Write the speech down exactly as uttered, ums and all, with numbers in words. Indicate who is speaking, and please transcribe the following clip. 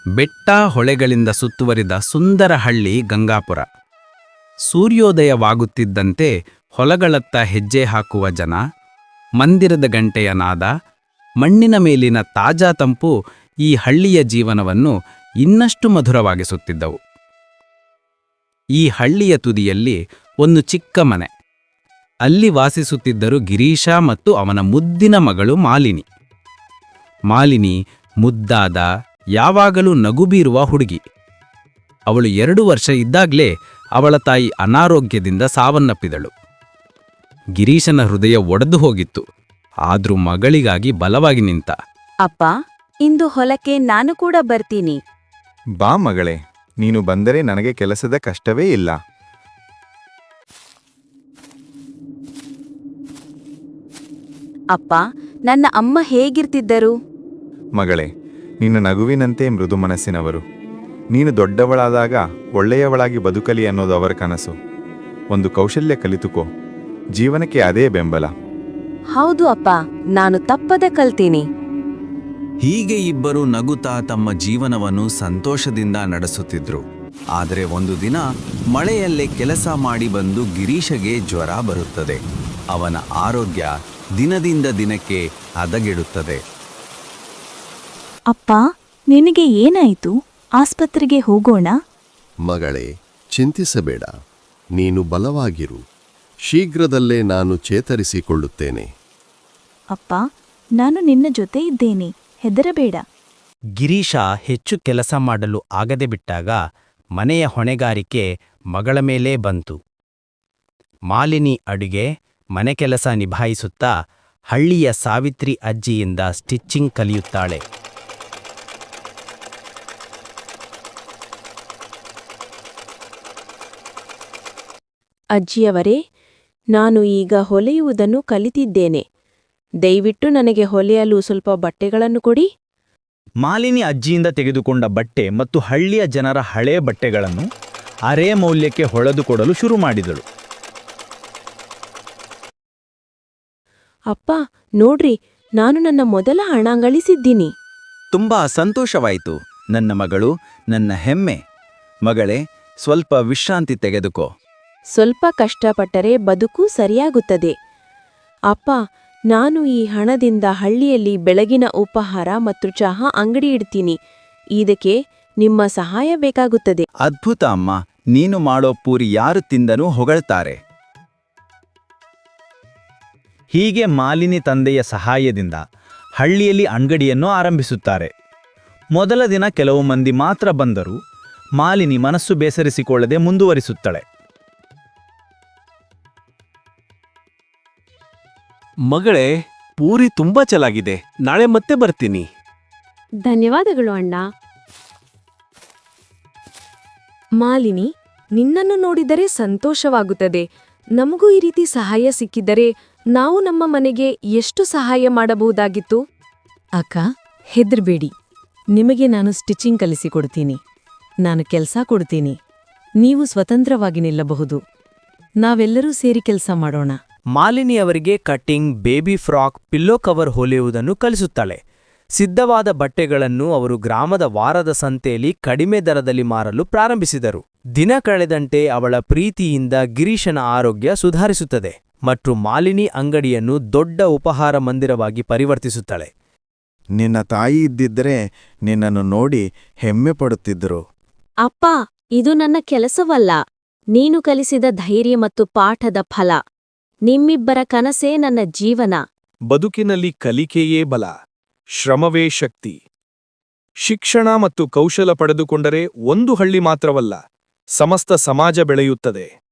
Speaker 1: ಬೆಟ್ಟ ಹೊಳೆಗಳಿಂದ ಸುತ್ತುವರಿದ ಸುಂದರ ಹಳ್ಳಿ ಗಂಗಾಪುರ. ಸೂರ್ಯೋದಯವಾಗುತ್ತಿದ್ದಂತೆ ಹೊಲಗಳತ್ತ ಹೆಜ್ಜೆ ಹಾಕುವ ಜನ, ಮಂದಿರದ ಗಂಟೆಯ ನಾದ, ಮಣ್ಣಿನ ಮೇಲಿನ ತಾಜಾ ತಂಪು ಈ ಹಳ್ಳಿಯ ಜೀವನವನ್ನು ಇನ್ನಷ್ಟು ಮಧುರವಾಗಿಸುತ್ತಿದ್ದವು. ಈ ಹಳ್ಳಿಯ ತುದಿಯಲ್ಲಿ ಒಂದು ಚಿಕ್ಕ ಮನೆ. ಅಲ್ಲಿ ವಾಸಿಸುತ್ತಿದ್ದರು ಗಿರೀಶ ಮತ್ತು ಅವನ ಮುದ್ದಿನ ಮಗಳು ಮಾಲಿನಿ. ಮಾಲಿನಿ ಮುದ್ದಾದ, ಯಾವಾಗಲೂ ನಗುಬೀರುವ ಹುಡುಗಿ. ಅವಳು ಎರಡು ವರ್ಷ ಇದ್ದಾಗಲೇ ಅವಳ ತಾಯಿ ಅನಾರೋಗ್ಯದಿಂದ ಸಾವನ್ನಪ್ಪಿದಳು. ಗಿರೀಶನ ಹೃದಯ ಒಡೆದು ಹೋಗಿತ್ತು. ಆದ್ರೂ ಮಗಳಿಗಾಗಿ ಬಲವಾಗಿ ನಿಂತ.
Speaker 2: ಅಪ್ಪ, ಇಂದು ಹೊಲಕ್ಕೆ ನಾನು ಕೂಡ ಬರ್ತೀನಿ.
Speaker 3: ಬಾ ಮಗಳೇ, ನೀನು ಬಂದರೆ ನನಗೆ ಕೆಲಸದ ಕಷ್ಟವೇ ಇಲ್ಲ.
Speaker 2: ಅಪ್ಪ, ನನ್ನ ಅಮ್ಮ ಹೇಗಿರ್ತಿದ್ದರು?
Speaker 3: ಮಗಳೇ, ನಿನ್ನ ನಗುವಿನಂತೆ ಮೃದು ಮನಸ್ಸಿನವರು. ನೀನು ದೊಡ್ಡವಳಾದಾಗ ಒಳ್ಳೆಯವಳಾಗಿ ಬದುಕಲಿ ಅನ್ನೋದು ಅವರ ಕನಸು. ಒಂದು ಕೌಶಲ್ಯ ಕಲಿತುಕೋ, ಜೀವನಕ್ಕೆ ಅದೇ ಬೆಂಬಲ.
Speaker 2: ಹೌದು ಅಪ್ಪ, ನಾನು ತಪ್ಪದೆ ಕಲ್ತೀನಿ.
Speaker 4: ಹೀಗೆ ಇಬ್ಬರು ನಗುತ್ತಾ ತಮ್ಮ ಜೀವನವನ್ನು ಸಂತೋಷದಿಂದ ನಡೆಸುತ್ತಿದ್ರು. ಆದರೆ ಒಂದು ದಿನ ಮಳೆಯಲ್ಲೇ ಕೆಲಸ ಮಾಡಿ ಬಂದು ಗಿರೀಶಗೆ ಜ್ವರ ಬರುತ್ತದೆ. ಅವನ ಆರೋಗ್ಯ ದಿನದಿಂದ ದಿನಕ್ಕೆ ಹದಗೆಡುತ್ತದೆ.
Speaker 5: ಅಪ್ಪ, ನಿನಗೆ ಏನಾಯಿತು? ಆಸ್ಪತ್ರೆಗೆ ಹೋಗೋಣ?
Speaker 6: ಮಗಳೇ, ಚಿಂತಿಸಬೇಡ. ನೀನು ಬಲವಾಗಿರು. ಶೀಘ್ರದಲ್ಲೇ ನಾನು ಚೇತರಿಸಿಕೊಳ್ಳುತ್ತೇನೆ.
Speaker 5: ಅಪ್ಪ, ನಾನು ನಿನ್ನ ಜೊತೆ ಇದ್ದೇನೆ, ಹೆದರಬೇಡ.
Speaker 1: ಗಿರೀಶ ಹೆಚ್ಚು ಕೆಲಸ ಮಾಡಲು ಆಗದೆ ಬಿಟ್ಟಾಗ ಮನೆಯ ಹೊಣೆಗಾರಿಕೆ ಮಗಳ ಮೇಲೇ ಬಂತು. ಮಾಲಿನಿ ಅಡುಗೆ, ಮನೆ ಕೆಲಸ ನಿಭಾಯಿಸುತ್ತಾ ಹಳ್ಳಿಯ ಸಾವಿತ್ರಿ ಅಜ್ಜಿಯಿಂದ ಸ್ಟಿಚ್ಚಿಂಗ್ ಕಲಿಯುತ್ತಾಳೆ.
Speaker 2: ಅಜ್ಜಿಯವರೇ, ನಾನು ಈಗ ಹೊಲೆಯುವುದನ್ನು ಕಲಿತಿದ್ದೇನೆ. ದಯವಿಟ್ಟು ನನಗೆ ಹೊಲೆಯಲು ಸ್ವಲ್ಪ ಬಟ್ಟೆಗಳನ್ನು ಕೊಡಿ.
Speaker 7: ಮಾಲಿನಿ ಅಜ್ಜಿಯಿಂದ ತೆಗೆದುಕೊಂಡ ಬಟ್ಟೆ ಮತ್ತು ಹಳ್ಳಿಯ ಜನರ ಹಳೆಯ ಬಟ್ಟೆಗಳನ್ನು ಅರೆ ಮೌಲ್ಯಕ್ಕೆ ಹೊಳೆದುಕೊಡಲು ಶುರು ಮಾಡಿದಳು.
Speaker 2: ಅಪ್ಪ, ನೋಡ್ರಿ, ನಾನು ನನ್ನ ಮೊದಲ ಹಣ ಗಳಿಸಿದ್ದೀನಿ.
Speaker 4: ತುಂಬಾ ಸಂತೋಷವಾಯಿತು ನನ್ನ ಮಗಳು, ನನ್ನ ಹೆಮ್ಮೆ. ಮಗಳೇ, ಸ್ವಲ್ಪ ವಿಶ್ರಾಂತಿ ತೆಗೆದುಕೋ.
Speaker 2: ಸ್ವಲ್ಪ ಕಷ್ಟಪಟ್ಟರೆ ಬದುಕು ಸರಿಯಾಗುತ್ತದೆ. ಅಪ್ಪ, ನಾನು ಈ ಹಣದಿಂದ ಹಳ್ಳಿಯಲ್ಲಿ ಬೆಳಗಿನ ಉಪಹಾರ ಮತ್ತು ಚಹಾ ಅಂಗಡಿ ಇಡ್ತೀನಿ. ಇದಕ್ಕೆ ನಿಮ್ಮ ಸಹಾಯ ಬೇಕಾಗುತ್ತದೆ.
Speaker 4: ಅದ್ಭುತ ಅಮ್ಮ, ನೀನು ಮಾಡೋ ಪೂರಿ ಯಾರು ತಿಂದನೂ ಹೊಗಳ್ತಾರೆ.
Speaker 7: ಹೀಗೆ ಮಾಲಿನಿ ತಂದೆಯ ಸಹಾಯದಿಂದ ಹಳ್ಳಿಯಲ್ಲಿ ಅಂಗಡಿಯನ್ನು ಆರಂಭಿಸುತ್ತಾರೆ. ಮೊದಲ ದಿನ ಕೆಲವು ಮಂದಿ ಮಾತ್ರ ಬಂದರೂ ಮಾಲಿನಿ ಮನಸ್ಸು ಬೇಸರಿಸಿಕೊಳ್ಳದೆ ಮುಂದುವರಿಸುತ್ತಾಳೆ.
Speaker 8: ಮಗಳೇ, ಪೂರಿ ತುಂಬಾ ಚೆನ್ನಾಗಿದೆ. ನಾಳೆ ಮತ್ತೆ ಬರ್ತೀನಿ.
Speaker 2: ಧನ್ಯವಾದಗಳು ಅಣ್ಣ. ಮಾಲಿನಿ, ನಿನ್ನನ್ನು ನೋಡಿದರೆ ಸಂತೋಷವಾಗುತ್ತದೆ. ನಮಗೂ ಈ ರೀತಿ ಸಹಾಯ ಸಿಕ್ಕಿದರೆ ನಾವು ನಮ್ಮ ಮನೆಗೆ ಎಷ್ಟು ಸಹಾಯ ಮಾಡಬಹುದಾಗಿತ್ತು.
Speaker 9: ಅಕ್ಕ, ಹೆದರ್ಬೇಡಿ. ನಿಮಗೆ ನಾನು ಸ್ಟಿಚಿಂಗ್ ಕಲಿಸಿಕೊಡ್ತೀನಿ. ನಾನು ಕೆಲಸ ಕೊಡ್ತೀನಿ. ನೀವು ಸ್ವತಂತ್ರವಾಗಿ ನಿಲ್ಲಬಹುದು. ನಾವೆಲ್ಲರೂ ಸೇರಿ ಕೆಲಸ ಮಾಡೋಣ.
Speaker 10: ಮಾಲಿನಿ ಅವರಿಗೆ cutting, baby frock, pillow cover ಹೊಲಿಯುವುದನ್ನು ಕಲಿಸುತ್ತಾಳೆ. ಸಿದ್ಧವಾದ ಬಟ್ಟೆಗಳನ್ನು ಅವರು ಗ್ರಾಮದ ವಾರದ ಸಂತೆಯಲ್ಲಿ ಕಡಿಮೆ ದರದಲ್ಲಿ ಮಾರಲು ಪ್ರಾರಂಭಿಸಿದರು. ದಿನ ಕಳೆದಂತೆ ಅವಳ ಪ್ರೀತಿಯಿಂದ ಗಿರೀಶನ ಆರೋಗ್ಯ ಸುಧಾರಿಸುತ್ತದೆ ಮತ್ತು ಮಾಲಿನಿ ಅಂಗಡಿಯನ್ನು ದೊಡ್ಡ ಉಪಹಾರ ಮಂದಿರವಾಗಿ ಪರಿವರ್ತಿಸುತ್ತಾಳೆ.
Speaker 3: ನಿನ್ನ ತಾಯಿ ಇದ್ದಿದ್ದರೆ ನಿನ್ನನ್ನು ನೋಡಿ ಹೆಮ್ಮೆ ಪಡುತ್ತಿದ್ದರು.
Speaker 2: ಅಪ್ಪ, ಇದು ನನ್ನ ಕೆಲಸವಲ್ಲ, ನೀನು ಕಲಿಸಿದ ಧೈರ್ಯ ಮತ್ತು ಪಾಠದ ಫಲ. ನಿಮ್ಮಿಬ್ಬರ ಕನಸೇ ನನ್ನ ಜೀವನ.
Speaker 8: ಬದುಕಿನಲ್ಲಿ ಕಲಿಕೆಯೇ ಬಲ, ಶ್ರಮವೇ ಶಕ್ತಿ. ಶಿಕ್ಷಣ ಮತ್ತು ಕೌಶಲ ಪಡೆದುಕೊಂಡರೆ ಒಂದು ಹಳ್ಳಿ ಮಾತ್ರವಲ್ಲ, ಸಮಸ್ತ ಸಮಾಜ ಬೆಳೆಯುತ್ತದೆ.